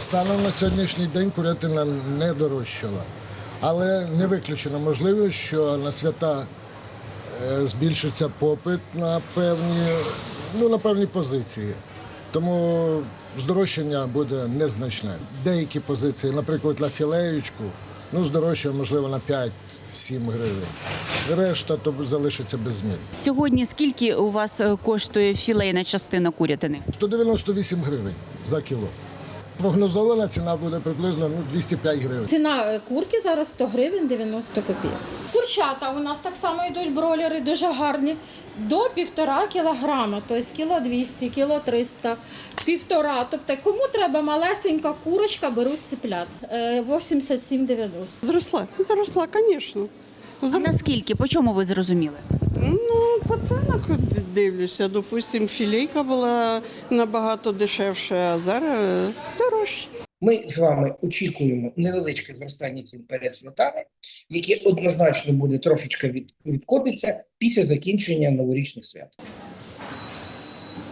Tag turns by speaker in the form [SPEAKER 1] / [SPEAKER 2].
[SPEAKER 1] Станом на сьогоднішній день курятина не дорожчала. Але не виключено можливість, що на свята збільшиться попит на певні позиції. Тому здорожчання буде незначне. Деякі позиції, наприклад, на філеєчку, здорожчає, можливо, на 5-7 гривень. Решта то залишиться без змін.
[SPEAKER 2] Сьогодні скільки у вас коштує філейна частина курятини?
[SPEAKER 1] 198 гривень за кіло. Прогнозована ціна буде приблизно 205 гривень.
[SPEAKER 3] Ціна курки зараз 100 гривень 90 копійок. Курчата у нас так само йдуть бройлери, дуже гарні. До 1,5 кілограма, тобто кіло 200, кіло 300, 1,5. Тобто кому треба малесенька курочка, беруть цеплят. 87,90.
[SPEAKER 4] Зросла, звісно.
[SPEAKER 2] А наскільки? По чому ви зрозуміли?
[SPEAKER 4] По ценах дивлюся. Допустим, філейка була набагато дешевша, а зараз дорожче.
[SPEAKER 5] Ми з вами очікуємо невеличке зростання цін перед святами, яке однозначно буде трошечки відкопиться після закінчення новорічних свят.